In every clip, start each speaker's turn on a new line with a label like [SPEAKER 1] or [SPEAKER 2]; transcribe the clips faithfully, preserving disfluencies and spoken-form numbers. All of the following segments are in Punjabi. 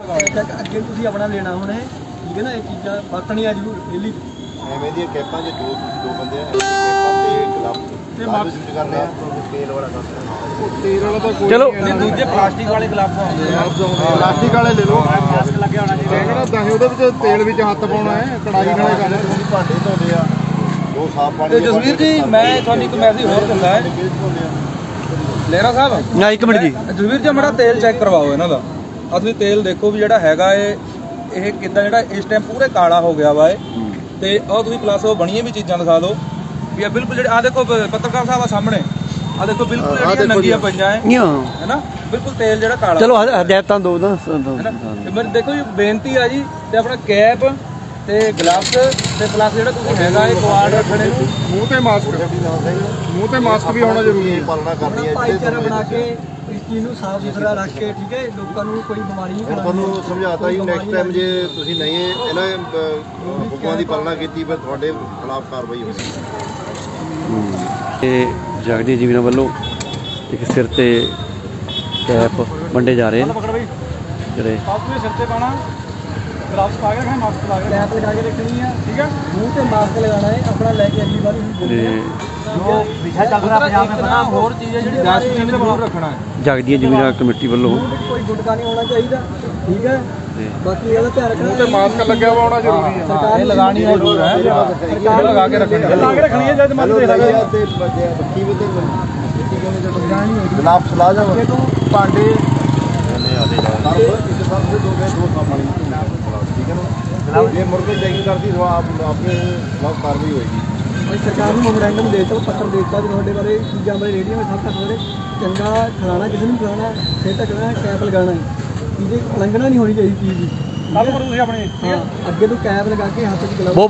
[SPEAKER 1] ਅੱਗੇ ਤੁਸੀਂ ਆਪਣਾ ਲੈਣਾ ਹੁਣ ਹੈ ਠੀਕ ਹੈ ਨਾ, ਇਹ ਚੀਜ਼ਾਂ ਵਰਤਣੀਆਂ ਜ਼ਰੂਰ ਡੇਲੀ।
[SPEAKER 2] ਐਵੇਂ ਦੀਆਂ ਕੈਪਾਂ ਜੇ ਦੋ ਦੋ ਬੰਦੇ ਆ ਕੈਪਾਂ ਤੇ ਗਲਵ ਤੇ ਮਾਸਕ ਯੂਜ਼ ਕਰਨੇ ਆ, ਤੇਲ ਵਾਲਾ ਕੰਮ ਤੇਲ ਵਾਲਾ ਤਾਂ ਕੋਈ
[SPEAKER 3] ਚਲੋ
[SPEAKER 2] ਨਹੀਂ,
[SPEAKER 3] ਦੂਜੇ ਪਲਾਸਟਿਕ ਵਾਲੇ ਗਲਵਸ ਆਉਂਦੇ ਆ,
[SPEAKER 2] ਪਲਾਸਟਿਕ ਵਾਲੇ ਲੈ ਲਓ।
[SPEAKER 3] ਮਾਸਕ ਲੱਗਿਆ ਹੋਣਾ ਚਾਹੀਦਾ।
[SPEAKER 2] ਕਿਹੜਾ ਤਾਂ ਉਹਦੇ ਵਿੱਚ ਤੇਲ ਵਿੱਚ ਹੱਥ ਪਾਉਣਾ ਹੈ, ਕੜਾਈ ਖਾਣੇ ਕਰਨਾ, ਤੁਸੀਂ ਭਾਂਡੇ ਧੋਦੇ ਆ ਦੋ ਸਾਫ ਪਾਣੀ।
[SPEAKER 3] ਤੇ ਜਸਵੀਰ ਜੀ ਮੈਂ ਤੁਹਾਨੂੰ ਇੱਕ ਮੈਸੇਜ ਹੋਰ ਦਿੰਦਾ ਹੈ ਲਹਿਰਾ ਸਾਹਿਬ,
[SPEAKER 1] ਨਾ ਇੱਕ ਮਿੰਟ ਜੀ
[SPEAKER 3] ਜਸਵੀਰ ਜੀ ਮੜਾ ਤੇਲ ਚੈੱਕ ਕਰਵਾਓ ਇਹਨਾਂ ਦਾ। ਆ ਤੁਸੀਂ ਤੇਲ ਦੇਖੋ ਵੀ ਜਿਹੜਾ ਹੈਗਾ ਏ ਇਹ ਕਿੱਦਾਂ ਜਿਹੜਾ ਇਸ ਟਾਈਮ ਪੂਰੇ ਕਾਲਾ ਹੋ ਗਿਆ ਵਾ ਏ। ਤੇ ਆਹ ਤੁਸੀਂ ਪਲੱਸ ਉਹ ਬਣੀਆਂ ਵੀ ਚੀਜ਼ਾਂ ਦਿਖਾ ਦਿਓ ਵੀ ਆ ਬਿਲਕੁਲ ਜਿਹੜੇ ਆ ਦੇਖੋ ਪੱਤਰਕਾਰ ਸਾਹਿਬ ਆ ਸਾਹਮਣੇ ਆ ਦੇਖੋ ਬਿਲਕੁਲ ਜਿਹੜੀਆਂ ਨੰਗੀਆਂ ਪਈਆਂ ਏ ਹੈ ਨਾ, ਬਿਲਕੁਲ ਤੇਲ ਜਿਹੜਾ ਕਾਲਾ।
[SPEAKER 1] ਚਲੋ ਹਦਾਇਤਾਂ ਦੋ ਨਾ
[SPEAKER 3] ਤੇ ਮੇਰੇ ਦੇਖੋ ਜੀ ਬੇਨਤੀ ਆ ਜੀ ਤੇ ਆਪਣਾ ਕੈਪ ਤੇ ਗਲਵਸ ਤੇ ਪਲੱਸ ਜਿਹੜਾ ਤੁਸੀਂ ਹੈਗਾ ਇਹ ਕੁਆਡ ਰੱਖਣੇ ਨੂੰ,
[SPEAKER 2] ਮੂੰਹ ਤੇ ਮਾਸਕ ਮੂੰਹ ਤੇ ਮਾਸਕ ਵੀ ਹੋਣਾ ਜ਼ਰੂਰੀ ਹੈ। ਪਾਲਣਾ ਕਰਨੀ ਹੈ
[SPEAKER 1] ਭਾਈਚਾਰਾ ਬਣਾ ਕੇ ਇਸ ਚੀਜ਼ ਨੂੰ ਸਾਫ਼ ਸੁਥਰਾ ਰੱਖ ਕੇ ਠੀਕ ਹੈ, ਲੋਕਾਂ ਨੂੰ ਕੋਈ ਬਿਮਾਰੀ ਨਹੀਂ ਫੈਲਾਉਣੀ।
[SPEAKER 2] ਤੁਹਾਨੂੰ ਸਮਝਾਤਾ ਜੀ ਨੈਕਸਟ ਟਾਈਮ ਜੇ ਤੁਸੀਂ ਨਹੀਂ ਇਹਨਾਂ ਹੁਕਮਾਂ ਦੀ ਪਾਲਣਾ ਕੀਤੀ ਫਿਰ ਤੁਹਾਡੇ ਖਿਲਾਫ ਕਾਰਵਾਈ ਹੋਵੇਗੀ।
[SPEAKER 1] ਤੇ ਜਗਦੀ ਜੀਵਨ ਵੱਲੋਂ ਇੱਕ ਸਿਰ ਤੇ ਕੈਪ ਵੰਡੇ ਜਾ ਰਹੇ ਨੇ ਜਿਹੜੇ
[SPEAKER 3] ਸਿਰ ਤੇ ਪਾਣਾ ਗਲਵਸ ਪਾ ਕੇ ਰੱਖਣਾ, ਮਾਸਕ ਲਾ ਕੇ
[SPEAKER 1] ਕੈਪ ਲਗਾ ਕੇ ਰੱਖਣੀ ਆ
[SPEAKER 3] ਠੀਕ ਹੈ,
[SPEAKER 1] ਮੂੰਹ ਤੇ ਮਾਸਕ ਲਗਾਉਣਾ ਹੈ ਆਪਣਾ, ਲੈ ਕੇ ਅਗਲੀ ਵਾਰ ਤੇ
[SPEAKER 3] ਜੋ ਵਿਸ਼ਾ ਚੱਲ ਰਿਹਾ ਪੰਜਾਬ ਦੇ ਬਣਾ ਹੋਰ ਚੀਜ਼ ਹੈ ਜਿਹੜੀ ਡਸਟਬਿਨ ਵਿੱਚ ਜ਼ਰੂਰ ਰੱਖਣਾ ਹੈ।
[SPEAKER 1] ਜਗਦੀ ਜੀਵਨ ਕਮੇਟੀ ਵੱਲੋਂ ਕੋਈ ਗੁਟਕਾ ਨਹੀਂ ਹੋਣਾ ਚਾਹੀਦਾ ਠੀਕ ਹੈ, ਬਾਕੀ ਇਹਦਾ ਧਿਆਨ ਰੱਖਣਾ।
[SPEAKER 2] ਮੂੰਹ ਤੇ ਮਾਸਕ ਲੱਗਿਆ ਵਾ ਹੋਣਾ ਜ਼ਰੂਰੀ ਹੈ।
[SPEAKER 3] ਸਰਕਾਰ ਇਹ ਲਗਾਣੀ ਹੈ ਜ਼ਰੂਰ ਹੈ, ਸਰਕਾਰ ਲਗਾ ਕੇ ਰੱਖਣੀ ਹੈ, ਲਾ ਕੇ ਰੱਖਣੀ ਹੈ ਜਦ ਮਨ ਦੇ ਸਕਦਾ
[SPEAKER 2] ਤੇ ਬੱਕੀ ਵੀ ਤੇ ਗਲਾਬ ਸਲਾ ਜਾ ਭਾਂਡੇ ਇਸ ਸਭ से दो गए दो पानी ठीक है ना। ये मुर्गे चेकिंग करती तो आप आपके खिलाफ कार्रवाई होगी।
[SPEAKER 1] ਸਰਕਾਰ ਨੂੰ ਮੈਮੋਰੈਂਡਮ ਦੇ ਦਿੱਤਾ, ਪੱਤਰ ਦੇ ਦਿੱਤਾ ਵੀ ਤੁਹਾਡੇ ਬਾਰੇ ਚੀਜ਼ਾਂ ਬਾਰੇ ਰੇਡੀਓ ਵਿੱਚ ਸਭ ਤੱਕ ਥੋੜੇ ਚੰਗਾ ਖਿਲਾਣਾ, ਕਿਸੇ ਨੂੰ ਖਿਲਾਣਾ, ਸਿਰ ਢੱਕਣਾ, ਕੈਪ ਲਗਾਉਣਾ ਹੈ, ਇਹਦੀ ਉਲੰਘਣਾ ਨਹੀਂ ਹੋਣੀ ਚਾਹੀਦੀ ਚੀਜ਼ ਦੀ।
[SPEAKER 3] ਕੱਲ ਕਰੋ ਤੁਸੀਂ ਆਪਣੇ
[SPEAKER 1] ਹਾਂ ਅੱਗੇ ਤੋਂ ਕੈਪ ਲਗਾ ਕੇ ਹੱਥ 'ਚ ਗਲਵ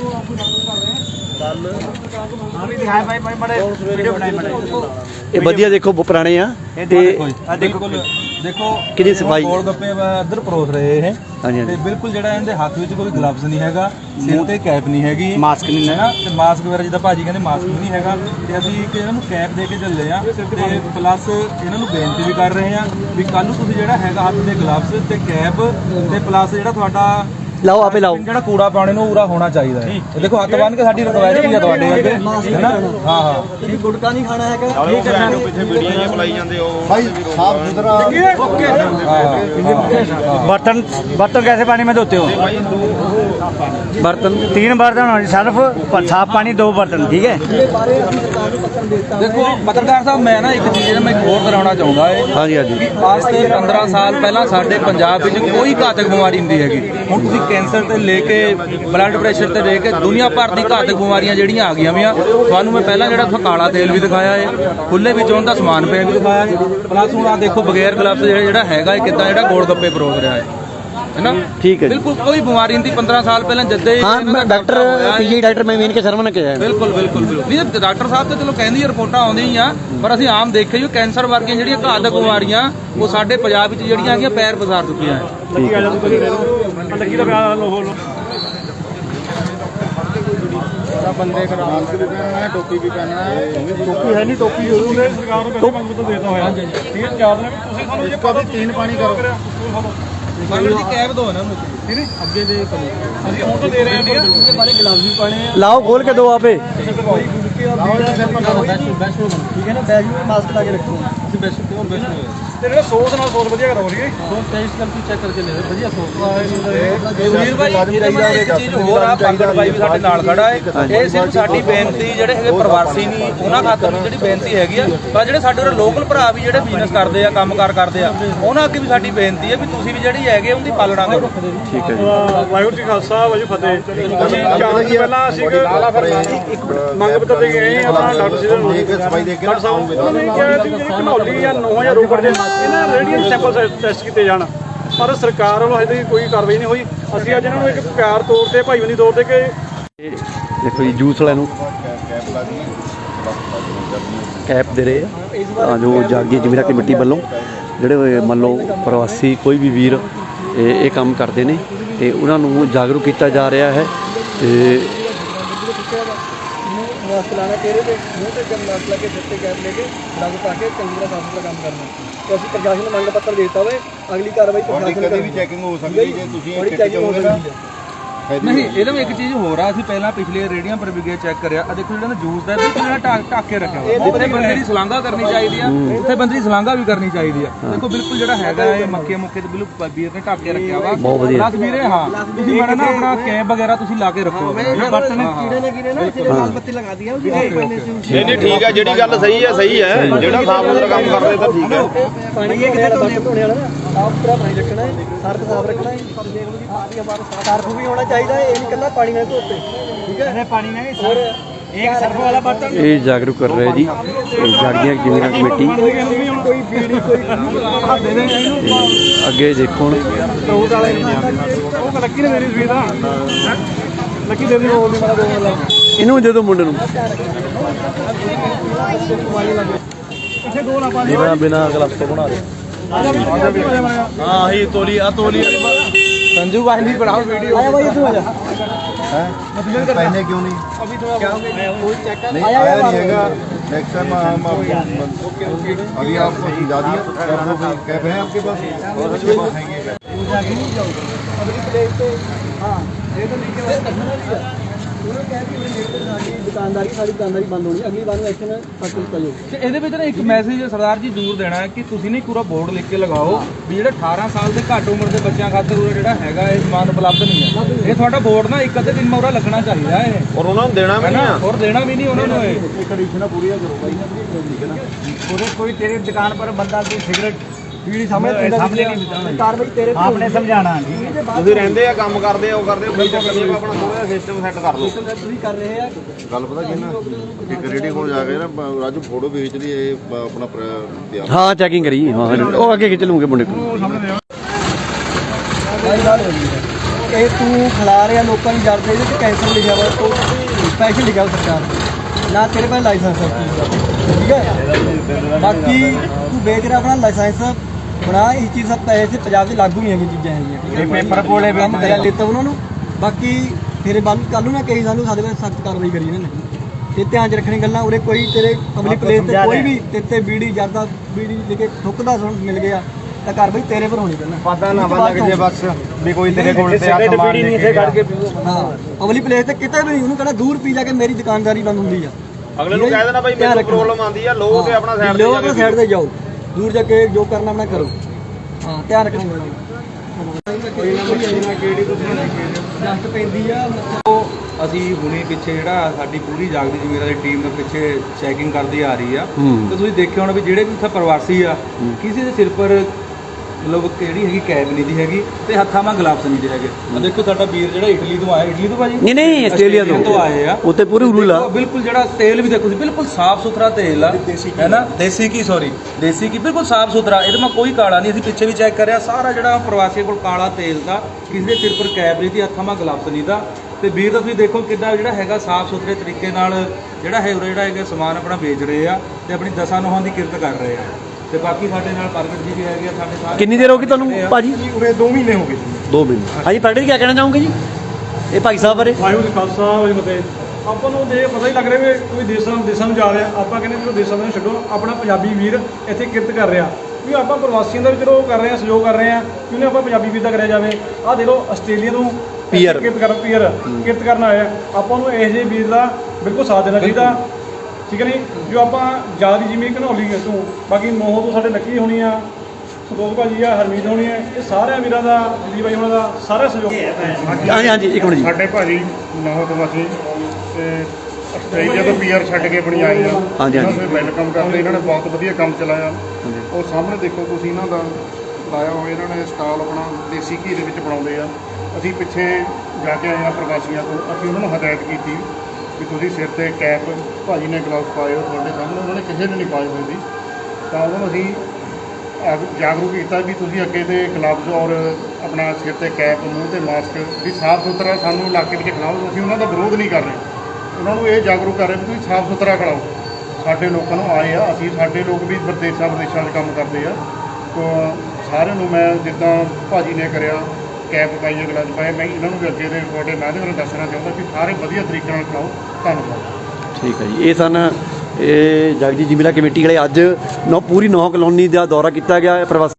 [SPEAKER 1] ਇਹ ਵਧੀਆ ਦੇਖੋ ਪੁਰਾਣੇ ਆ ਤੇ
[SPEAKER 3] ਦੇਖੋ ਦੇਖੋ
[SPEAKER 1] ਕਿਹਦੀ ਸਫਾਈ
[SPEAKER 3] ਗੋਲ ਗੱਪੇ ਇੱਧਰ ਪਰੋਸ ਰਹੇ ਇਹ
[SPEAKER 1] ਹਾਂਜੀ
[SPEAKER 3] ਤੇ ਬਿਲਕੁਲ ਜਿਹੜਾ ਇਹਦੇ ਹੱਥ ਵਿੱਚ ਕੋਈ ਗਲਵਸ ਨਹੀਂ ਹੈਗਾ, ਸਿਰ ਤੇ ਕੈਪ ਨਹੀਂ ਹੈਗੀ,
[SPEAKER 1] ਮਾਸਕ ਨਹੀਂ
[SPEAKER 3] ਹੈ ਨਾ, ਤੇ ਮਾਸਕ ਵਗੈਰਾ ਜਿੱਦਾਂ ਭਾਜੀ ਕਹਿੰਦੇ ਮਾਸਕ ਵੀ ਨਹੀਂ ਹੈਗਾ। ਤੇ ਅਸੀਂ ਇੱਕ ਇਹਨਾਂ ਨੂੰ ਕੈਪ ਦੇ ਕੇ ਚੱਲੇ ਆ ਤੇ ਪਲੱਸ ਇਹਨਾਂ ਨੂੰ ਬੇਨਤੀ ਵੀ ਕਰ ਰਹੇ ਆ ਵੀ ਕੱਲ ਨੂੰ ਤੁਸੀਂ ਜਿਹੜਾ ਹੈਗਾ ਹੱਥ ਦੇ ਗਲਵਸ ਤੇ ਕੈਪ ਤੇ ਪਲੱਸ ਜਿਹੜਾ ਤੁਹਾਡਾ
[SPEAKER 1] ਲਾਓ ਆਪੇ ਲਾਓ
[SPEAKER 3] ਜਿਹੜਾ ਕੂੜਾ ਪਾਉਣੇ ਨੂੰ ਪੂਰਾ ਹੋਣਾ ਚਾਹੀਦਾ ਹੈ। ਤੇ ਦੇਖੋ ਹੱਥ ਬੰਨ ਕੇ ਸਾਡੀ ਰਿਕੁਐਸਟ ਵੀ ਆ ਤੁਹਾਡੇ ਅੱਗੇ ਹੈ ਨਾ। ਹਾਂ ਹਾਂ
[SPEAKER 1] ਇਹ ਗੁਟਕਾ ਨਹੀਂ ਖਾਣਾ ਹੈਗਾ, ਇਹ ਕਰਨਾ ਨਹੀਂ।
[SPEAKER 2] ਪਿੱਛੇ ਵੀਡੀਓ ਜੇ ਬੁਲਾਈ ਜਾਂਦੇ ਉਹ ਭਾਈ ਸਾਫ ਸੁਥਰਾ
[SPEAKER 4] बर्तन बर्तन कैसे पानी में धोते हो?
[SPEAKER 1] ਬਰਤਨ
[SPEAKER 4] तीन बर्तन और सर्फ साफ पानी दो बर्तन ठीक है।
[SPEAKER 1] ਇਹਦੇ ਬਾਰੇ ਅਸੀਂ ਸਰਕਾਰ ਨੂੰ ਪੱਤਰ ਦੇ ਦਿੱਤਾ।
[SPEAKER 3] ਦੇਖੋ ਪੱਤਰਕਾਰ ਸਾਹਿਬ ਮੈਂ ਨਾ ਇੱਕ ਚੀਜ਼ ਜਿਹੜਾ ਮੈਂ ਇੱਕ ਹੋਰ ਕਰਾਉਣਾ ਚਾਹੁੰਦਾ ਹੈ
[SPEAKER 1] ਹਾਂਜੀ ਹਾਂਜੀ
[SPEAKER 3] ਕਿ ਅੱਜ ਤੋਂ ਪੰਦਰਾਂ ਸਾਲ ਪਹਿਲਾਂ ਸਾਡੇ ਪੰਜਾਬ ਵਿੱਚ ਕੋਈ ਘਾਤਕ ਬਿਮਾਰੀ ਹੁੰਦੀ ਹੈਗੀ। ਹੁਣ ਤੁਸੀਂ ਕੈਂਸਰ ਤੇ ਲੈ ਕੇ ਬਲੱਡ ਪ੍ਰੈਸ਼ਰ ਤੇ ਲੈ ਕੇ ਦੁਨੀਆ ਭਰ ਦੀ ਘਾਤਕ ਬਿਮਾਰੀਆਂ ਜਿਹੜੀਆਂ ਆ ਗਈਆਂ ਵੀਆਂ। ਤੁਹਾਨੂੰ ਮੈਂ ਪਹਿਲਾਂ ਜਿਹੜਾ ਕਾਲਾ ਤੇਲ ਵੀ ਦਿਖਾਇਆ ਹੈ, ਖੁੱਲੇ ਵਿੱਚੋਂ ਦਾ ਸਮਾਨ ਪਿਆ ਵੀ ਦਿਖਾਇਆ ਹੈ, ਪਲੱਸ ਹੁਣ ਆ ਦੇਖੋ ਬਗੈਰ ਗਲਵਸ ਜਿਹੜਾ ਹੈਗਾ ਇਹ ਕਿੱਦਾਂ ਜਿਹੜਾ ਗੋਲ ਗੱਪੇ ਪਰੋਸ ਰਿਹਾ ਹੈ ਹੈ ਨਾ।
[SPEAKER 1] ਠੀਕ ਹੈ ਜੀ।
[SPEAKER 3] ਬਿਲਕੁਲ ਕੋਈ ਬਿਮਾਰੀ ਨਹੀਂ। ਪੰਦਰਾਂ ਸਾਲ ਪਹਿਲਾਂ ਜੱਦੇ
[SPEAKER 1] ਹਾਂ ਮੈਂ ਡਾਕਟਰ ਪੀਜੀ ਡਾਕਟਰ ਮੈਂ ਮੇਨ ਕੇ ਸ਼ਰਮਾ ਨੇ ਕਿਹਾ
[SPEAKER 3] ਬਿਲਕੁਲ ਬਿਲਕੁਲ ਬਿਲਕੁਲ ਨਹੀਂ ਡਾਕਟਰ ਸਾਹਿਬ ਤਾਂ ਚਲੋ ਕਹਿੰਦੀ ਰਿਪੋਰਟਾਂ ਆਉਂਦੀਆਂ ਹੀ ਆ, ਪਰ ਅਸੀਂ ਆਮ ਦੇਖਿਆ ਜੀ ਕੈਂਸਰ ਵਰਗੀਆਂ ਜਿਹੜੀਆਂ ਘਾਤਕ ਬਿਮਾਰੀਆਂ ਉਹ ਸਾਡੇ ਪੰਜਾਬ ਵਿੱਚ ਜਿਹੜੀਆਂ ਹੈਗੀਆਂ ਪੈਰ ਪਸਾਰ ਚੁੱਕੀਆਂ ਹੈ।
[SPEAKER 1] ਠੀਕ ਹੈ
[SPEAKER 4] लगी तो लो लो
[SPEAKER 2] ਬੰਦੇ ਕਰਾ ਮਾਸਕ ਵੀ ਪਹਿਨਣਾ ਹੈ, ਟੋਪੀ ਵੀ ਪਹਿਨਣਾ ਹੈ।
[SPEAKER 4] टोपी है नहीं टोपी जरूर है, सरकार को पैसे मंग तो देता है ठीक है। याद रहे ਤੁਸੀਂ ਸਾਨੂੰ ਜੇ
[SPEAKER 2] इसका भी तीन पानी करो।
[SPEAKER 3] ਮਗਰ ਦੀ ਕੈਬ ਦੋ ਨਾ ਠੀਕ ਹੈ ਅੱਗੇ ਦੇ ਅਸੀਂ ਹੁਣ ਤਾਂ ਦੇ ਰਹੇ ਹਾਂ ਠੀਕ ਹੈ।
[SPEAKER 1] ਇਹਦੇ ਬਾਰੇ ਗਲਵਸ ਵੀ ਪਾਣੇ ਆ, ਲਾਓ ਖੋਲ ਕੇ ਦੋ ਆਪੇ ਠੀਕ ਹੈ ਨਾ। ਬੈਗ ਵਿੱਚ ਮਾਸਕ ਲਾ ਕੇ ਰੱਖੋ।
[SPEAKER 3] ਅਸੀਂ ਬੈਸਟ ਤੇ ਬੈਸਟ
[SPEAKER 4] ਤੇ ਜਿਹੜਾ ਸੌਸ ਨਾਲ ਸੌਸ ਵਧੀਆ ਕਰਵਾ ਰਹੀ ਹੈ।
[SPEAKER 3] ਸੋਚ ਟੈਸਟ ਕਰਕੇ ਚੈੱਕ ਕਰਕੇ ਲੈ ਵਧੀਆ ਸੋਚ ਵੀਰ ਭਾਈ ਇਹਦੇ ਮੈਂ ਇੱਕ ਚੀਜ਼ ਹੋਰ ਆ, ਪੰਗੜ ਬਾਈ ਵੀ ਸਾਡੇ ਨਾਲ ਖੜਾ ਹੈ। ਇਹ ਸਿਰਫ ਸਾਡੀ ਬੇਨਤੀ ਜਿਹੜੇ ਹੈਗੇ ਪ੍ਰਵਾਸੀ ਨਹੀਂ ਉਹਨਾਂ ਖਾਤਰ ਜਿਹੜੀ ਬੇਨਤੀ ਹੈਗੀ ਆ, ਪਰ ਜਿਹੜੇ ਸਾਡੇ ਉਰੇ ਲੋਕਲ ਭਰਾ ਵੀ ਜਿਹੜੇ ਬਿਜ਼ਨਸ ਕਰਦੇ ਆ ਕੰਮਕਾਰ ਕਰਦੇ ਆ ਉਹਨਾਂ ਅੱਗੇ ਵੀ ਸਾਡੀ ਬੇਨਤੀ ਹੈ ਵੀ ਤੁਸੀਂ ਵੀ ਜਿਹੜੀ ਹੈਗੇ ਉਹਦੀ ਪਾਲਣਾ ਕਰੋ।
[SPEAKER 1] ਠੀਕ ਹੈ ਜੀ।
[SPEAKER 4] ਵਾਹਿਗੁਰੂ ਜੀ ਖਾਲਸਾ ਵਾਹਿਗੁਰੂ ਫਤਿਹ। ਅਸੀਂ ਚਾਰ ਦਿਨ ਪਹਿਲਾਂ ਅਸੀਂ ਮੰਗ ਪੱਤਰ ਦੇ ਕੇ ਗਏ ਆਪਣਾ ਡਾਕਟਰ ਸਾਹਿਬ
[SPEAKER 2] ਦੇ ਕੇ ਸਫਾਈ ਦੇ ਕੇ
[SPEAKER 4] ਡਾਕਟਰ ਸਾਹਿਬ ਉਹਨਾਂ ਨੇ ਕਿਹਾ ਕਿ ਜਿਹੜੀ ਘਨੌਲੀ ਜਾਂ ਨੋਹਾਂ ਜਾਂ ਰੋਪੜ ਦੇ ਇਹਨਾਂ ਰੇਡੀਅਨ ਸੈਂਪਲ ਟੈਸਟ ਕੀਤੇ ਜਾਣ, ਪਰ ਸਰਕਾਰ ਵੱਲੋਂ ਹਜੇ ਤੱਕ ਕੋਈ ਕਾਰਵਾਈ ਨਹੀਂ ਹੋਈ। ਅਸੀਂ ਅੱਜ ਇਹਨਾਂ ਨੂੰ ਇੱਕ ਪਿਆਰ ਤੌਰ ਤੇ ਭਾਈਵਾਨੀ ਤੌਰ ਤੇ ਕਿ
[SPEAKER 1] ਦੇਖੋ ਜੀ ਜੂਸ ਵਾਲਿਆਂ ਨੂੰ ਕੈਪ ਦੇ ਰਹੇ ਆ ਤਾਂ ਜੋ ਜਾਗੀ ਜਮੀਰਾ ਕਮੇਟੀ ਵੱਲੋਂ ਜਿਹੜੇ ਮੰਨ ਲਓ ਪ੍ਰਵਾਸੀ ਕੋਈ ਵੀ ਵੀਰ ਇਹ ਇਹ ਕੰਮ ਕਰਦੇ ਨੇ ਤੇ ਉਹਨਾਂ ਨੂੰ ਜਾਗਰੂਕ ਕੀਤਾ ਜਾ ਰਿਹਾ ਹੈ। ਤੇ ਮਾਸਕ ਲਾਣਾ ਚਿਹਰੇ ਤੇ ਮੂੰਹ ਤੇ ਮਾਸਕ ਲਾ ਕੇ ਸਿਰ ਤੇ ਕੈਪ ਲੈ ਕੇ ਰੰਗ ਪਾ ਕੇ ਚੰਗੀ ਤਰ੍ਹਾਂ ਸਾਫ ਸੁਥਰਾ ਕੰਮ ਕਰਨਾ। ਤੇ ਅਸੀਂ ਪ੍ਰਸ਼ਾਸਨ ਨੂੰ ਮੰਗ ਪੱਤਰ ਦੇ ਦਿੱਤਾ ਵਾ
[SPEAKER 5] ਅਗਲੀ ਕਾਰਵਾਈ
[SPEAKER 2] ਤੁਹਾਡੀ
[SPEAKER 5] ਪ੍ਰਸ਼ਾਸਨ
[SPEAKER 2] ਕਦੇ ਵੀ ਚੈਕਿੰਗ ਹੋ ਸਕਦੀ ਜੇ ਤੁਸੀਂ
[SPEAKER 5] ਥੋੜੀ
[SPEAKER 2] ਕਿੱਟ
[SPEAKER 5] ਚੈਕਿੰਗ ਹੋ
[SPEAKER 2] ਕਰੋਗੇ ਨਾ
[SPEAKER 5] ਸਕਦੀ ਹੈ।
[SPEAKER 3] ਨਹੀਂ ਇਹਦੇ ਵਿੱਚ ਇੱਕ ਚੀਜ਼ ਹੋਰ ਆ ਅਸੀਂ ਪਹਿਲਾਂ ਪਿਛਲੇ ਰੇੜੀਆਂ ਪਰ ਵੀ ਗਏ ਚੈੱਕ ਕਰਿਆ ਆ ਦੇਖੋ ਜਿਹੜਾ ਨਾ ਜੂਸ ਦਾ ਬਿਲਕੁਲ ਜਿਹੜਾ ਢੱਕ ਢੱਕ ਕੇ ਰੱਖਿਆ ਹੋਇਆ ਉੱਥੇ ਬੰਦੇ ਦੀ ਸਲਾਂਘਾ ਕਰਨੀ ਚਾਹੀਦੀ ਆ ਉੱਥੇ ਬੰਦੇ ਦੀ ਸਲਾਂਘਾ ਵੀ ਕਰਨੀ ਚਾਹੀਦੀ ਆ ਦੇਖੋ ਬਿਲਕੁਲ ਜਿਹੜਾ ਹੈਗਾ ਇਹ ਮੱਕੇ ਮੁੱਕੇ ਤੇ ਬਿਲਕੁਲ ਵੀਰ ਨੇ ਢੱਕ ਕੇ ਰੱਖਿਆ ਵਾ
[SPEAKER 1] ਬਹੁਤ ਵਧੀਆ।
[SPEAKER 3] ਪਲੱਸ ਵੀਰੇ ਹਾਂ ਤੁਸੀਂ ਮਾੜਾ ਨਾ ਆਪਣਾ ਕੈਪ ਵਗੈਰਾ ਤੁਸੀਂ ਲਾ ਕੇ ਰੱਖੋ
[SPEAKER 5] ਬਰਤਨ ਕੀੜੇ ਨੇ ਕੀੜੇ ਨਾ ਜਿਹੜੇ ਲਾਲ ਬੱਤੀ ਲਗਾ ਦਿਆ ਉਹ ਜਿਹੜੇ ਪੈਨੇ ਸੀ
[SPEAKER 2] ਨਹੀਂ ਨਹੀਂ ਠੀਕ ਹੈ ਜਿਹੜੀ ਗੱਲ ਸਹੀ ਹੈ ਸਹੀ ਹੈ ਜਿਹੜਾ ਸਾਫ ਸੁਥਰਾ ਕੰਮ ਕਰਦੇ ਤਾਂ ਠੀਕ ਹੈ
[SPEAKER 5] ਪਾਣੀ ਇਹ ਕਿਤੇ ਧੋਣੇ ਧੋਣੇ ਵਾਲਾ ਨਾ ਸਾਫ ਸੁਥਰਾ ਪਾਣੀ ਰੱਖਣਾ ਹੈ ਸਰਫ ਸਾਫ ਰੱਖਣਾ ਹੈ ਪਰ ਦੇਖ ਲਓ ਜੀ ਪਾਣੀ ਬਾਹਰ ਸਰਫ ਵੀ ਹੋਣਾ ਚਾਹੀਦਾ ਹੈ ਇਹ ਨਹੀਂ ਕੱਲਾ ਪਾਣੀ ਨਾਲ ਧੋਤੇ ਠੀਕ ਹੈ ਪਾਣੀ ਨਾਲ ਸਰ ਇੱਕ ਸਰਫ ਵਾਲਾ ਬਰਤਨ
[SPEAKER 1] ਇਹ ਜਾਗਰੂਕ ਕਰ ਰਹੇ ਜੀ ਇਹ ਜਾਗਦੀਆਂ ਜ਼ਮੀਨਾਂ ਕਮੇਟੀ।
[SPEAKER 5] ਕੋਈ ਬੀੜੀ ਕੋਈ ਦੇ ਦੇ
[SPEAKER 1] ਤੇ ਅੱਗੇ ਦੇਖੋ ਹੁਣ
[SPEAKER 5] ਟੋਟ ਵਾਲੇ ਉਹ ਲੱਕੀ ਨੇ ਮੇਰੀ ਸਵੀਦਾ ਲੱਕੀ ਦੇ ਦੇ ਬੋਲ ਦੀ ਮਾਰਾ ਦੋ ਵਾਲਾ
[SPEAKER 1] ਇਹਨੂੰ ਦੇ ਦਿਓ ਮੁੰਡੇ ਨੂੰ
[SPEAKER 5] ਇੱਥੇ ਦੋ ਲਾ ਪਾ
[SPEAKER 1] ਬਿਨਾ ਬਿਨਾ ਗਲਾਸ ਤੋਂ ਬਣਾ ਦੇ।
[SPEAKER 5] ਹਾਂ
[SPEAKER 1] ਹੀ ਤੋਲੀ ਆ ਤੋਲੀ
[SPEAKER 3] ਸੰਜੂ ਭਾਈ ਦੀ ਬਣਾਓ ਵੀਡੀਓ
[SPEAKER 5] ਆਇਆ ਭਾਈ ਤੂੰ ਆ ਜਾ
[SPEAKER 2] ਹੈ ਪੈਨੇ ਕਿਉਂ ਨਹੀਂ
[SPEAKER 5] अभी तो क्या हो गया वो चेक कर
[SPEAKER 2] नहीं आया नहीं हैगा नेक्स्ट टाइम हम आपको अभी आप समझा दिया कैब है आपके पास आपके पास हैंगे
[SPEAKER 5] अगली प्लेट पे हाँ ये तो नहीं के बाद रखना भी है उन्होंने कहा कि मेरे पे सारी दुकानदारी सारी दुकानदारी बंद होनी अगली बार में एक्शन फर्स्ट करो
[SPEAKER 3] ਤੇ ਇਹਦੇ ਵਿੱਚ ਨਾ ਇੱਕ ਮੈਸੇਜ ਸਰਦਾਰ ਜੀ ਜ਼ਰੂਰ ਦੇਣਾ ਹੈ ਕਿ ਤੁਸੀਂ ਨਹੀਂ ਪੂਰਾ ਬੋਰਡ ਲਿਖ ਕੇ ਲਗਾਓ ਵੀ ਜਿਹੜੇ ਅਠਾਰਾਂ ਸਾਲ ਦੇ ਘੱਟ ਉਮਰ ਦੇ ਬੱਚਿਆਂ ਖਾਤਰ ਉਰੇ ਜਿਹੜਾ ਹੈਗਾ ਇਹ ਸਮਾਨ ਉਪਲਬਧ ਨਹੀਂ ਹੈ ਇਹ ਤੁਹਾਡਾ ਬੋਰਡ ਨਾ ਇੱਕ ਅੱਧੇ ਦਿਨ ਮੌਰਾ ਲੱਗਣਾ ਚਾਹੀਦਾ ਹੈ
[SPEAKER 2] और उन्होंने देना भी नहीं
[SPEAKER 3] ਔਰ ਦੇਣਾ ਵੀ ਨਹੀਂ ਉਹਨਾਂ ਨੂੰ ਇਹ
[SPEAKER 2] कंडीशन पूरी करो भाई
[SPEAKER 5] पूरे कोई तेरी दुकान पर बंदा की सिगरेट बीड़ी सामने सामने कार्रवाई तेरे आपने समझाना
[SPEAKER 2] ਤੁਸੀਂ ਰਹਿੰਦੇ ਆ ਕੰਮ ਕਰਦੇ ਆ ਉਹ ਕਰਦੇ ਆ ਕੋਈ ਚੱਕਰ ਨਹੀਂ ਆਪਣਾ ਥੋੜਾ ਸਿਸਟਮ ਸੈੱਟ ਕਰ ਲਓ
[SPEAKER 5] ਤੁਸੀਂ ਕਰ ਰਹੇ ਆ
[SPEAKER 2] ਗੱਲ ਪਤਾ ਕੀ ਨਾ ਇੱਕ ਰੇਡੀ ਕੋਲ ਜਾ ਕੇ ਨਾ ਰਾਜੂ ਫੋਟੋ ਵੇਚ ਲਈ ਇਹ ਆਪਣਾ ਤਿਆਰ
[SPEAKER 1] ਹਾਂ ਚੈਕਿੰਗ ਕਰੀ ਹਾਂ ਉਹ ਅੱਗੇ ਖਿੱਚ ਲੂਗੇ ਮੁੰਡੇ ਨੂੰ
[SPEAKER 5] ਇਹ ਤੂੰ ਖਿਲਾ ਰਿਹਾ ਲੋਕਾਂ ਨੂੰ ਜਰਦੇ ਇਹਦੇ ਤੇ ਕੈਂਸਰ ਲਿਖਿਆ ਵਾ ਤੂੰ ਸਪੈਸ਼ਲ ਲਿਖਿਆ ਵਾ ਸਰਕਾਰ ਨਾ ਤੇਰੇ ਕੋਲ ਲਾਇਸੈਂਸ ਹੈ ਇਸ ਚੀਜ਼ ਦਾ ਠੀਕ ਹੈ ਬਾਕੀ ਤੂੰ ਵੇਚ ਰਿਹਾ ਆਪਣਾ ਲਾਇਸੈਂਸ ਬਣਾ ਇਹ ਚੀਜ਼ ਸਭ ਪੈਸੇ ਸੇ ਪੰਜਾਬ ਦੇ ਲਾਗੂ ਨਹੀਂ ਹੈਗੀ ਚੀਜ਼ਾਂ ਹੈਗੀਆਂ ਠੀਕ ਹੈ ਪੇਪਰ ਕੋਲੇ ਕੰਮ ਕਰਿਆ ਲਿੱਤਾ ਉਹਨਾਂ ਨੂੰ ਬਾਕੀ ਤੇਰੇ ਬੰਦ ਕੱਲ ਨੂੰ ਨਾ ਕਹੀ ਸਾਨੂੰ ਸਾਡੇ ਵਿੱਚ ਸਖਤ ਕਾਰਵਾਈ ਕਰੀ ਇਹਨਾਂ ਨੇ ਤੇ ਧਿਆਨ ਚ ਰੱਖਣੀ ਗੱਲਾਂ ਉਰੇ ਕੋਈ ਤੇਰੇ ਪਬਲਿਕ ਪਲੇਸ ਤੇ ਕੋਈ ਵੀ ਤੇਤੇ ਬੀੜੀ ਜਰਦਾ ਬੀੜੀ ਲੈ ਕੇ ਠੁੱਕਦਾ ਸੁਣ ਮਿਲ ਗਿਆ ਤਾਂ ਕਾਰਵਾਈ ਤੇਰੇ ਪਰ ਹੋਣੀ ਪਹਿਲਾਂ
[SPEAKER 2] ਪਤਾ ਨਾ ਬੰਦਾ ਕਿਸੇ ਬਸ ਵੀ ਕੋਈ ਤੇਰੇ ਕੋਲ ਤੇ ਹੱਥ ਮਾਰ ਦੇ ਕੇ
[SPEAKER 5] ਹਾਂ ਪਬਲਿਕ ਪਲੇਸ ਤੇ ਕਿਤੇ ਵੀ ਉਹਨੂੰ ਕਹਿੰਦਾ ਦੂਰ ਪੀ ਜਾ ਕੇ ਮੇਰੀ ਦੁਕਾਨਦਾਰੀ ਬੰਦ ਹੁੰਦੀ ਆ
[SPEAKER 2] ਅਗਲੇ ਨੂੰ ਕਹਿ ਦੇਣਾ ਭਾਈ ਮੈਨੂੰ ਪ੍ਰੋਬਲਮ ਆਉਂਦੀ ਆ ਲੋ ਤੇ ਆਪਣਾ ਸਾਈਡ ਤੇ
[SPEAKER 5] ਲੋ ਆਪਣਾ ਸਾਈਡ ਤੇ ਜਾਓ ਦੂਰ ਜਾ ਕੇ ਜੋ ਕਰਨਾ ਆਪਣਾ ਕਰੋ ਹਾਂ ਧਿਆਨ ਰੱਖਣਾ ਜਸਟ ਪੈਂਦੀ ਆ
[SPEAKER 3] ਉਹ ਅਸੀਂ ਹੁਣੇ ਪਿੱਛੇ ਜਿਹੜਾ ਸਾਡੀ ਪੂਰੀ ਜਾਗਦੀ ਜ਼ਮੀਰਾਂ ਦੀ ਟੀਮ ਦੇ ਪਿੱਛੇ ਚੈਕਿੰਗ ਕਰਦੀ ਆ ਰਹੀ ਆ ਤੇ ਤੁਸੀਂ ਦੇਖਿਆ ਹੋਣਾ ਵੀ ਜਿਹੜੇ ਵੀ ਉੱਥੇ ਪ੍ਰਵਾਸੀ ਆ ਕਿਸੇ ਦੇ ਸਿਰ ਪਰ ਮਤਲਬ ਕਿਹੜੀ ਹੈਗੀ ਕੈਪ ਨਹੀਂ ਦੀ ਹੈਗੀ ਤੇ ਹੱਥਾਂ 'ਮਾ ਗਲਾਵਸ ਨਹੀਂ ਦੇ ਹੈਗੇ ਆ ਦੇਖੋ ਸਾਡਾ ਵੀਰ ਜਿਹੜਾ ਇਟਲੀ ਤੋਂ ਆਇਆ ਇਟਲੀ ਤੋਂ ਭਾਜੀ
[SPEAKER 1] ਨਹੀਂ ਨਹੀਂ ਆਸਟ੍ਰੇਲੀਆ
[SPEAKER 3] ਤੋਂ ਆਏ ਆ
[SPEAKER 1] ਉੱਤੇ ਪੂਰੀ ਰੂਲ ਆ
[SPEAKER 3] ਬਿਲਕੁਲ ਜਿਹੜਾ ਤੇਲ ਵੀ ਦੇਖੋ ਤੁਸੀਂ ਬਿਲਕੁਲ ਸਾਫ਼ ਸੁਥਰਾ ਤੇਲ ਆ ਹੈ ਨਾ ਦੇਸੀ ਕੀ ਸੌਰੀ ਦੇਸੀ ਕੀ ਬਿਲਕੁਲ ਸਾਫ਼ ਸੁਥਰਾ ਇਹਦੇ ਮਾ ਕੋਈ ਕਾਲਾ ਨਹੀਂ ਅਸੀਂ ਪਿੱਛੇ ਵੀ ਚੈੱਕ ਕਰਿਆ ਸਾਰਾ ਜਿਹੜਾ ਪ੍ਰਵਾਸੀ ਕੋਲ ਕਾਲਾ ਤੇਲ ਦਾ ਕਿਸੇ ਦੇ ਸਿਰ ਪਰ ਕੈਪ ਨਹੀਂ ਦੀ ਹੱਥਾਂ 'ਮਾ ਗਲਾਵਸ ਨਹੀਂ ਦਾ ਤੇ ਵੀਰ ਦਾ ਤੁਸੀਂ ਦੇਖੋ ਕਿੱਦਾਂ ਜਿਹੜਾ ਹੈਗਾ ਸਾਫ਼ ਸੁਥਰੇ ਤਰੀਕੇ ਨਾਲ ਜਿਹੜਾ ਹੈ ਉਰੇ ਜਿਹੜਾ ਹੈਗਾ ਸਮਾਨ ਆਪਣਾ ਵੇਚ ਰਹੇ ਆ ਤੇ ਆਪਣੀ ਦਸਾਂ ਨੋਹਾਂ ਦੀ ਕਿਰਤ ਕਰ ਰਹੇ ਆ ਤੇ ਬਾਕੀ ਸਾਡੇ ਨਾਲ ਪ੍ਰਗਟ ਜੀ ਵੀ ਹੈਗੇ ਆ ਸਾਡੇ ਸਾਰੇ
[SPEAKER 1] ਕਿੰਨੀ ਦੇਰ ਹੋ ਗਈ ਤੁਹਾਨੂੰ ਭਾਜੀ
[SPEAKER 2] ਉਰੇ ਦੋ ਮਹੀਨੇ ਹੋ ਗਏ
[SPEAKER 1] ਦੋ ਮਹੀਨੇ ਹਾਂਜੀ ਪ੍ਰਗਟ ਜੀ ਕੀ ਕਹਿਣਾ ਚਾਹੋਗੇ ਜੀ ਇਹ ਭਾਈ ਸਾਹਿਬ ਬਾਰੇ
[SPEAKER 4] ਵਾਹਿਗੁਰੂ ਜੀ ਖਾਲਸਾ ਵਾਹਿਗੁਰੂ ਜੀ ਫਤਿਹ ਆਪਾਂ ਨੂੰ ਤੇ ਪਤਾ ਹੀ ਲੱਗ ਰਿਹਾ ਵੀ ਕੋਈ ਦੇਸਾਂ ਦੇਸਾਂ ਨੂੰ ਜਾ ਰਿਹਾ ਆਪਾਂ ਕਹਿੰਦੇ ਚਲੋ ਦੇਸਾਂ ਨੂੰ ਛੱਡੋ ਆਪਣਾ ਪੰਜਾਬੀ ਵੀਰ ਇੱਥੇ ਕਿਰਤ ਕਰ ਰਿਹਾ ਵੀ ਆਪਾਂ ਪ੍ਰਵਾਸੀਆਂ ਦਾ ਵੀ ਚਲੋ ਕਰ ਰਹੇ ਹਾਂ ਸਹਿਯੋਗ ਕਰ ਰਹੇ ਹਾਂ ਕਿਉਂ ਆਪਾਂ ਪੰਜਾਬੀ ਵੀਰ ਦਾ ਕਰਿਆ ਜਾਵੇ ਆਹ ਦੇਖੋ ਆਸਟ੍ਰੇਲੀਆ ਤੋਂ
[SPEAKER 1] ਪੀਅਰ
[SPEAKER 4] ਕਿਰਤ ਕਰਨ ਪੀਅਰ ਕਿਰਤ ਕਰਨ ਆਇਆ ਆਪਾਂ ਨੂੰ ਇਹੋ ਜਿਹੇ ਵੀਰ ਦਾ ਬਿਲਕੁਲ ਸਾਥ ਦੇਣਾ ਚਾਹੀਦਾ ਠੀਕ ਹੈ ਨਹੀਂ ਜੋ ਆਪਾਂ ਜ਼ਿਆਦਾ ਜ਼ਮੀਨ ਘਨੌਲੀ ਤੋਂ ਬਾਕੀ ਮੋਹ ਤੋਂ ਸਾਡੇ ਲੱਕੀ ਹੋਣੀ ਆ ਸੰਤੋਖ ਭਾਜੀ ਆ ਹਰਮੀਤ ਹੋਣੀ ਆ ਇਹ ਸਾਰਿਆਂ ਵੀਰਾਂ ਦਾ ਜੀ ਬਾਈ ਉਹਨਾਂ ਦਾ ਸਾਰਾ ਸਹਿਯੋਗ
[SPEAKER 1] ਹਾਂਜੀ ਹਾਂਜੀ ਇੱਕ ਮਿੰਟ ਜੀ
[SPEAKER 6] ਸਾਡੇ ਭਾਜੀ ਨੌ ਤੋਂ ਅਸੀਂ ਤੇ ਆਸਟ੍ਰੇਲੀਆ ਤੋਂ ਪੀਆਰ ਛੱਡ ਕੇ ਆਪਣੀ ਆਏ ਆ
[SPEAKER 1] ਹਾਂਜੀ, ਹਾਂਜੀ।
[SPEAKER 6] ਇਹਨਾਂ ਨੇ ਵੈਲਕਮ ਕਰਦੇ ਇਹਨਾਂ ਨੇ ਬਹੁਤ ਵਧੀਆ ਕੰਮ ਚਲਾਇਆ ਉਹ ਸਾਹਮਣੇ ਦੇਖੋ ਤੁਸੀਂ ਇਹਨਾਂ ਦਾ ਲਾਇਆ ਹੋਇਆ ਇਹਨਾਂ ਨੇ ਸਟਾਲ ਆਪਣਾ ਦੇਸੀ ਘੀ ਦੇ ਵਿੱਚ ਬਣਾਉਂਦੇ ਆ ਅਸੀਂ ਪਿੱਛੇ ਜਾ ਕੇ ਆਏ ਆ ਪ੍ਰਵਾਸੀਆਂ ਤੋਂ ਅਸੀਂ ਉਹਨਾਂ ਨੂੰ ਹਦਾਇਤ ਕੀਤੀ ਵੀ ਤੁਸੀਂ ਸਿਰ ਤੇ ਕੈਪ ਭਾਜੀ ਨੇ ਗਲਵਸ ਪਾਏ ਹੋ ਤੁਹਾਡੇ ਸਾਹਮਣੇ ਉਹਨਾਂ ਨੇ ਕਿਸੇ ਨੇ ਨਹੀਂ ਪਾਏ ਹੋਏ ਸੀ ਤਾਂ ਉਹਨਾਂ ਨੂੰ ਅਸੀਂ ਆਗ- ਜਾਗਰੂਕ ਕੀਤਾ ਵੀ ਤੁਸੀਂ ਅੱਗੇ ਤੇ ਗਲਵਸ ਔਰ ਆਪਣਾ ਸਿਰ ਤੇ ਕੈਪ ਮੂੰਹ ਤੇ ਮਾਸਕ ਵੀ ਸਾਫ਼ ਸੁਥਰਾ ਸਾਨੂੰ ਇਲਾਕੇ ਵਿੱਚ ਖਿਲਾਓ ਅਸੀਂ ਉਹਨਾਂ ਦਾ ਵਿਰੋਧ ਨਹੀਂ ਕਰ ਰਹੇ ਉਹਨਾਂ ਨੂੰ ਇਹ ਜਾਗਰੂਕ ਕਰ ਰਹੇ ਵੀ ਤੁਸੀਂ ਸਾਫ਼ ਸੁਥਰਾ ਖਿਲਾਓ ਸਾਡੇ ਲੋਕਾਂ ਨੂੰ ਆਏ ਆ ਅਸੀਂ ਸਾਡੇ ਲੋਕ ਵੀ ਵਿਦੇਸ਼ਾਂ ਵਿਦੇਸ਼ਾਂ 'ਚ ਕੰਮ ਕਰਦੇ ਆ ਤਾਂ ਸਾਰਿਆਂ ਨੂੰ ਮੈਂ ਜਿੱਦਾਂ ਭਾਜੀ ਨੇ ਕਰਿਆ ਕੈਪ ਪਾਈ ਹੈ ਗਲਾਸ ਪਾਏ ਮੈਂ ਇਹਨਾਂ ਨੂੰ ਵੀ ਅੱਗੇ ਦੇ ਤੁਹਾਡੇ ਮਾਧਿਅਮ ਨਾਲ ਦੱਸਣਾ ਚਾਹੁੰਦਾ ਕਿ ਸਾਰੇ ਵਧੀਆ ਤਰੀਕੇ ਨਾਲ ਖਿਲਾਓ ਧੰਨਵਾਦ
[SPEAKER 1] ਠੀਕ ਹੈ ਜੀ ਇਹ ਸਨ ਇਹ ਜਗਜੀਤ ਜ਼ਿਮੀਲਾ ਕਮੇਟੀ ਵਾਲੇ ਅੱਜ ਨੌ ਪੂਰੀ ਨੌ ਕਲੋਨੀ ਦਾ ਦੌਰਾ ਕੀਤਾ ਗਿਆ ਪ੍ਰਵਾਸੀ